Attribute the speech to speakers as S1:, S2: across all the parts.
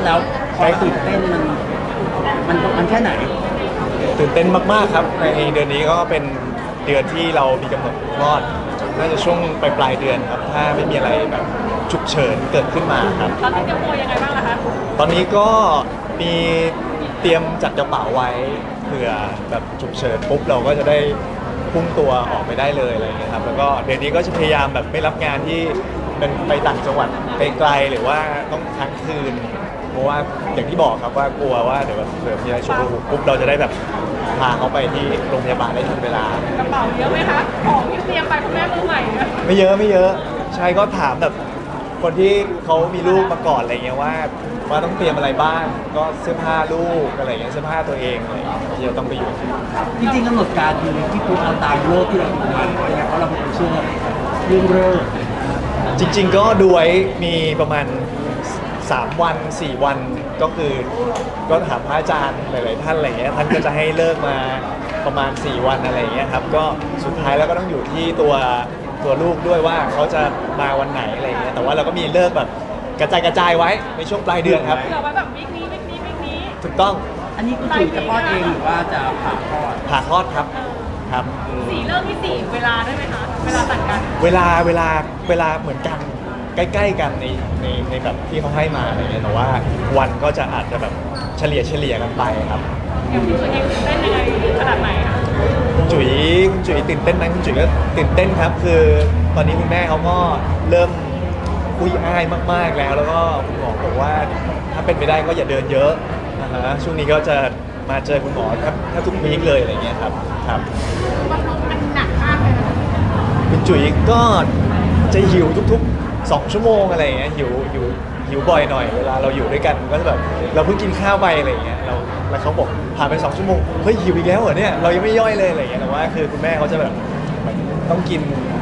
S1: แล้วความตื่นเต้นมันแค่ไหน
S2: ตื่นเต้นมากๆครับในเดือนนี้ก็เป็นเดือนที่เรามีกำหนดคลอดน่าจะช่วงปลายเดือนครับถ้าไม่มีอะไรแบบฉุกเฉินเกิดขึ้นมาครับ
S3: ตอนนี้เตรียมตัวยังไงบ้างล่ะคะ
S2: ตอนนี้ก็มีเตรียมจัดกระเป๋าไว้เผื่อแบบฉุกเฉินปุ๊บเราก็จะได้พุ่งตัวออกไปได้เลยอะไรอย่างเงี้ยครับแล้วก็เดือนนี้ก็จะพยายามแบบไม่รับงานที่เป็นไปต่างจังหวัดไกลๆหรือว่าต้องค้างคืนเพราะว่าอย่างที่บอกครับว่ากลัวว่าเดี๋ยวเผื่อมีอะไรฉุกเฉินปุ๊บเราจะได้แบบพาเขาไปที่โรงพยาบาลได้ทันเวลาก
S3: ระเป๋าเยอะไหมคะของที่เตรียมไปคุณแม่มือใหม่เนี่ย
S2: ไม่เยอะใช่ก็ถามแบบคนที่เขามีลูกมาก่อนอะไรเงี้ยว่าต้องเตรียมอะไรบ้างก็เสื้อผ้าลูกอะไรเงี้ยเสื้อผ้าตัวเองอะไรเงี้ยที่จะต้องไปอยู่
S1: จริงๆกำหนดการคือที่พูดเอาตามโลกที่เราดูมาเพราะเราเป็นคนเชื่อเรื่องเลิก
S2: จริงๆก็ดูไว้มีประมาณ3 วัน 4 วันก็คือก็ถามพระอาจารย์หลายๆท่านอะไรเงี้ยท่านก็จะให้เลิกมาประมาณ4 วันอะไรเงี้ยครับก็สุดท้ายแล้วก็ต้องอยู่ที่ตัวลูกด้วยว่าเขาจะมาวันไหนอะไรเงี้ยแต่ว่าเราก็มีเลิกแบบกระจายไว้ในช่วงปลายเดือนครับ
S3: เผื่อไว้แบบวิกนี้
S2: ถูกต้อง
S1: อันนี้คุณจุ๋ยจะคลอดเองหรือว่าจะผ่าคลอด
S2: ครับครับ
S3: สี่เริ่มที่สี่เวลาได้ไหมคะเวลาตัดกัน
S2: เวลาเหมือนกันใกล้ๆกันในแบบที่เขาให้มาอะไรเงี้ยแต่ว่าวันก็จะอาจจะแบบเฉลี่ยกันไปครับ
S3: อย่างพี่จุ๋ยเองเต้นยังไงขนาดไหนคะ
S2: คุณจุ๋ยตื่นเต้นไหมคุณจุ๋ยก็ตื่นเต้นครับคือตอนนี้คุณแม่เขาก็เริ่มคุยอ้ายมากๆแล้วก็คุณหมอบอกว่าถ้าเป็นไปได้ก็อย่าเดินเยอะนะฮะช่วงนี้ก็จะมาเจอคุณหมอถ้าทุกวีคเลยอะไรเงี้ยครับ
S3: บำรุงมันหนักมากเลยนะ
S2: คุณจุ๋ยก็จะหิวทุกๆ2 ชั่วโมงอะไรเงี้ยหิวบ่อยหน่อยเวลาเราอยู่ด้วยกันก็จะแบบเราเพิ่งกินข้าวไปอะไรเงี้ยแล้วเขาบอกผ่านไป2 ชั่วโมงเฮ้ยหิวอีกแล้วเหรอเนี่ยเรายังไม่ย่อยเลยอะไรเงี้ยแต่ว่าคือคุณแม่เขาจะแบบต้องกิน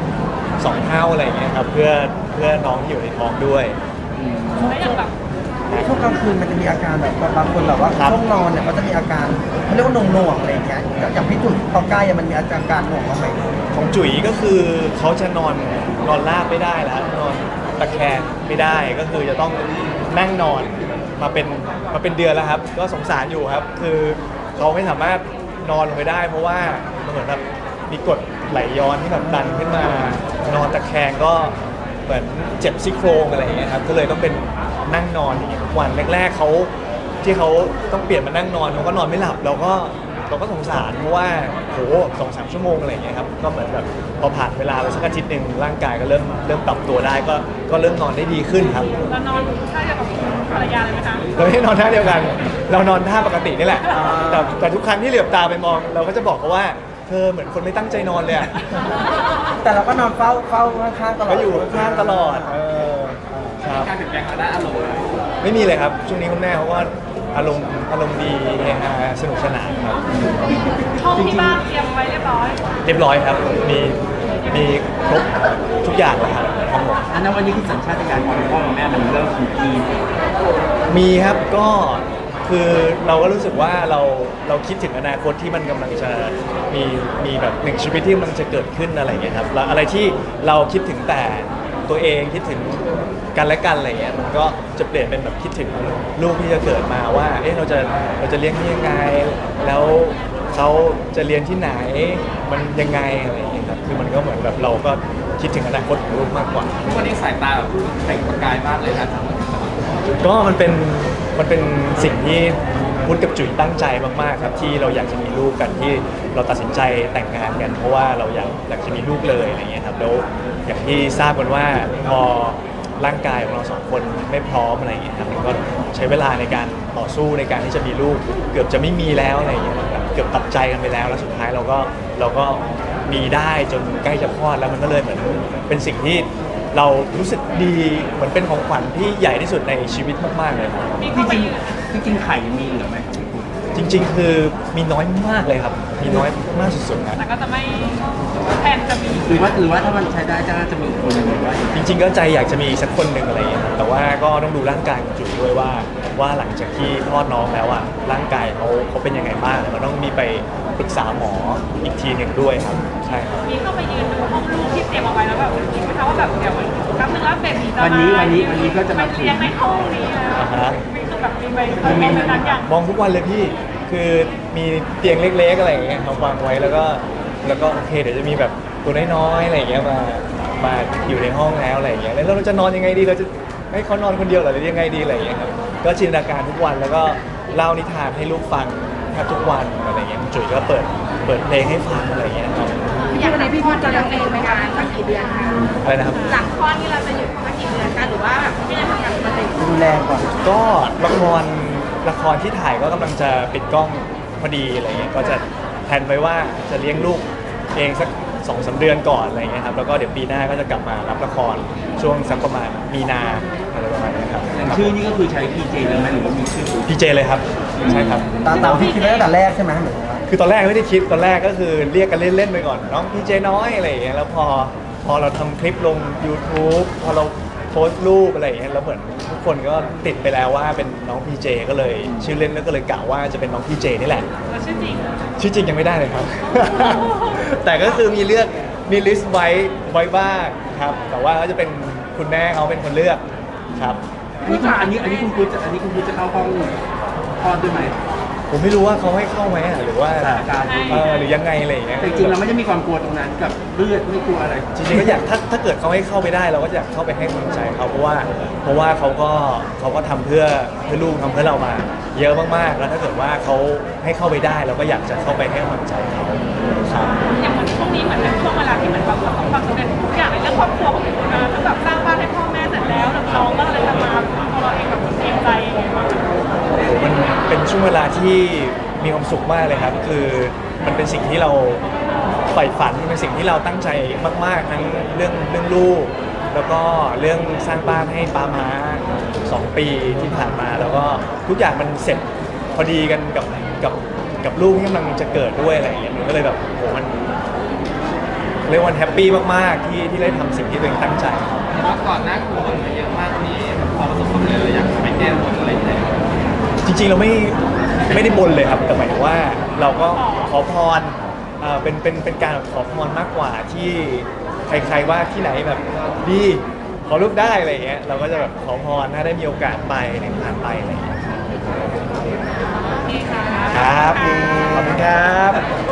S2: 2 เท่าอะไรเงี้ยครับเพื่อน้องที่อยู่ในท้องด้วย
S3: แล้วอย่างแบบ
S1: ช่วงกลางคืนมันจะมีอาการแบบบางคนแบบว่าช่วงนอนเนี่ยเขาจะมีอาการเขาเรียกว่าหน่วงอะไรอย่างเงี้ยอย่างพี่จุ๋ยพอใกล้มันมีอาการหน่วงบ้างไหม
S2: ของจุ๋ยก็คือเขาจะนอนราบไม่ได้แล้วนอนตะแคงไม่ได้ก็คือจะต้องนั่งนอนมาเป็นเดือนแล้วครับก็สงสารอยู่ครับคือเขาไม่สามารถนอนลงไปได้เพราะว่ามันเหมือนแบบมีกรดไหลย้อนที่แบบดันขึ้นมานอนตะแคงก็เหมือนเจ็บซี่โครงอะไรอย่างเงี้ยครับก็เลยต้องเป็นนั่งนอนอย่างเงี้ยทุกวันแรกๆเขาที่เขาต้องเปลี่ยนมานั่งนอนเขาก็นอนไม่หลับเราก็สงสารเพราะว่าโห2-3 ชั่วโมงอะไรอย่างเงี้ยครับก็เหมือนแบบพอผ่านเวลาไปสักอาทิตย์หนึ่งร่างกายก็เริ่มปรับตัวได้ก็เริ่มนอนได้ดีขึ้นครับ
S3: เรานอนท่าเดียวกับภรรยาเลยไหมคะ
S2: เราไม่ได้นอนท่าเดียวกันเรานอนท่าปกตินี่แหละแต่ทุกครั้งที่เหลือบตาไปมองเราก็จะบอกเขาว่าเธอเหมือนคนไม่ตั้งใจนอนเลยอะ
S1: แต่เราก็นอนเฝ้าข้างๆตลอด
S2: ก็อยู่ข้างๆตลอดครับ
S1: การเปลี่ยนแปลงทางด้านอารมณ์
S2: ไม่มีเลยครับช่วงนี้คุณแม่เขาก็อารมณ์ดีเฮฮาสนุกสนานครับ
S3: ห้องที่บ้านเตรียมไว้เรียบร้อย
S2: ครับมีครบทุกอย่างแล้วครับทั้งหมด
S1: อันนั้นวันนี้คือสัญชาตญาณของพ่อกับแม่มันเริ่ม
S2: มีครับก็คือเราก็รู้สึกว่าเราคิดถึงอนาคตที่มันกำลังจะมีแบบ1 ชีวิตที่มันจะเกิดขึ้นอะไรอย่างเงี้ยครับแล้วอะไรที่เราคิดถึงแต่ตัวเองคิดถึงกันและกันอะไรเงี้ยมันก็จะเปลี่ยนเป็นแบบคิดถึงลูกที่จะเกิดมาว่าเอ๊ะเราจะเลี้ยงที่ยังไงแล้วเขาจะเรียนที่ไหนมันยังไงอะไรอย่างเงี้ยครับคือมันก็เหมือนแบบเราก็คิดถึงอนาคตของลูกมากกว่า
S1: วันนี้สายตาแบบเปล่งประกายมากเลยนะ
S2: ก็มันเป็นสิ่งที่พุทธกับจุ๋ยตั้งใจมากๆครับที่เราอยากจะมีลูกกันที่เราตัดสินใจแต่งงานกันเพราะว่าเราอยากจะมีลูกเลยอะไรเงี้ยครับแล้วอย่างที่ทราบกันว่าพอร่างกายของเรา2 คนไม่พร้อมอะไรเงี้ยครับก็ใช้เวลาในการต่อสู้ในการที่จะมีลูกเกือบจะไม่มีแล้วอะไรเงี้ยครับเกือบตัดใจกันไปแล้วสุดท้ายเราก็มีได้จนใกล้จะคลอดแล้วมันก็เลยเหมือนเป็นสิ่งที่เรารู้สึกดีเหมือนเป็นของขวัญที่ใหญ่ที่สุดในชีวิตมากๆเลยครับ
S1: จริงไข่มีเหลือไหมครับ
S2: จริงๆคือมีน้อยมากเลยครับมีน้อยมากสุดๆนะ
S3: แต่ก็จะไม่แทนจะมี
S1: หรือว่าถ้ามันใช้ได้จะมีคนหนึ่งหรือว่า
S2: จริงๆก็ใจอยากจะมีสักคนหนึ่งอะไรอย่างเงี้ยแต่ว่าก็ต้องดูร่างกายของจุ๋ยด้วยว่าหลังจากที่คลอดน้องแล้วอ่ะร่างกายเขาเป็นยังไงบ้างมันต้องมีไปปรึกษาหมออีกทีหนึ่งด้วยครับใช่ครับ
S3: มีเข้าไปยืนดูห้องลูกที่เตรียมเอาไว้แล้วแบบคิดไหมคะว่าแบบเดี๋ยวแป๊บนึงแล้วเบบีจะมา
S1: วันนี้ก็จะมา
S3: เลี้ยงในห้องนี้แล้วแบบมีใบเคยมองในนั้นอย่าง
S2: มองทุกวันเลยพี่คือมีเตียงเล็กๆอะไรอย่างเงี้ยเขาวางไว้แล้วก็โอเคเดี๋ยวจะมีแบบตัวน้อยๆอะไรอย่างเงี้ยมาอยู่ในห้องแล้วอะไรอย่างเงี้ยแล้วเราจะนอนยังไงดีเราจะให้เขานอนคนเดียวเหรอหรือยังไงดีอะไรอย่างเงี้ยครับก็จินตนาการทุกวันแล้วก็เล่านิทานให้ลูกฟังแทบทุกวันอะไรอย่างเงี้ยคุณจุ๋ยก็เปิดเพลงให้ฟังอะไรอย่างเงี้ยครับ
S3: อย่างในพี่พอจะเลี้ยงเองไหมคะสักกี่เดือนคะ
S2: อะไรนะครับ
S3: หลังคลอดนี่เราจะอยู่สักกี่เดือนคะหรือว่าแบบพี่จะทำงานปกติ
S1: ดูแลก่อน
S2: ก็ละครที่ถ่ายก็กำลังจะปิดกล้องพอดีอะไรเงี้ยก็จะแพลนไว้ว่าจะเลี้ยงลูกเองสัก2-3 เดือนก่อนอะไรเงี้ยครับแล้วก็เดี๋ยวปีหน้าก็จะกลับมารับละครช่วงสักประมาณมีนาอะไรประมาณนี้ครับ
S4: อย่างชื่อนี่ก็คือใช้ PJ เลยไหมหรือว่ามีชื่อ
S2: พีเจเลยครับใช่ครับ
S1: ตามที่คิดไว้ตั้งแต่แรกใช่ไหมหรือว่า
S2: คือตอนแรกไม่ได้คิดตอนแรกก็คือเรียกกันเล่นๆไปก่อนน้องพีเจน้อยอะไรอย่างเงี้ยแล้วพอเราทำคลิปลง YouTube พอเราโพสต์รูปอะไรอย่างเงี้ยแล้วเหมือนทุกคนก็ติดไปแล้วว่าเป็นน้องพีเจก็เลยชื่อเล่นก็เลยกล่าวว่าจะเป็นน้องพีเจนี่แหละ
S3: แล้วชื่อจริง
S2: ชื่อจริงยังไม่ได้เลยครับ แต่ก็คือมีลิสต์ไว้บ้างครับ แต่ว่าก็จะเป็นคุณแม่เขาเป็นคนเลือกครับ
S4: อันนี้คุณพุทธจะเข้าห้องคลอดด้วยไหม
S2: ผมไม่รู้ว่าเขาให้เข้าไหมหรือว่า
S4: สถานการณ์
S2: หรือยังไงอะไรอย่างเงี้ย
S4: แต่จริงๆเราไม่ได้มีความกลัวตรงนั้นกับเลือดไม่กลัวอะไร
S2: จริงๆก็อยากถ้าเกิดเขาให้เข้าไปได้เราก็อยากเข้าไปให้กำลังใจเขาเพราะว่าเขาก็ทำเพื่อลูกทำเพื่อเรามาเยอะมากๆแล้วถ้าเกิดว่าเขาให้เข้าไปได้เราก็อยากจะเข้าไปให้กำลังใจเขาครับ
S3: อย่างเหมือนช่วงนี้เหมือนเป็นช่วงเวลาที่เหมือนแบบประสบความสำเร็จทุกอย่างในเรื่องครอบครัวของคุณนะแล้วแบบสร้างบ้านให้พ่อแม่เสร็จแล้วแล้วน้องก็เลยจะมาตัวเราเองแบบเตรียมใจยังไงบ้าง
S2: มันเป็นช่วงเวลาที่มีความสุขมากเลยครับ คือมันเป็นสิ่งที่เราใฝ่ฝันมันเป็นสิ่งที่เราตั้งใจมากๆทั้งเรื่องลูก แล้วก็เรื่องสร้างบ้านให้ป้าม้า2 ปีที่ผ่านมา แล้วก็ทุกอย่างมันเสร็จพอดีกันกับลูกที่กำลังจะเกิดด้วยอะไรอย่างเงี้ยมันก็เลยแบบโหมันเรียกว่าแฮปปี้มากๆที่ได้ทำสิ่งที่ตัวเองตั้งใจ
S4: เพราะก่อนหน้าคุณบ่นมาเยอะมากนี้พอประสบความสำเร็จเราอยากไปแก้บนอะไรอย่างเงี้ย
S2: จริงๆเราไม่ได้บนเลยครับแต่หมายถึงว่าเราก็ขอพรเป็นการขอพรมากกว่าที่ใครๆว่าที่ไหนแบบดีขอรูปได้อะไรอย่างเงี้ยเราก็จะแบบขอพรถ้าได้มีโอกาสไปในผ่านไปอะไรอย่างเงี้ยครับขอบคุณครับ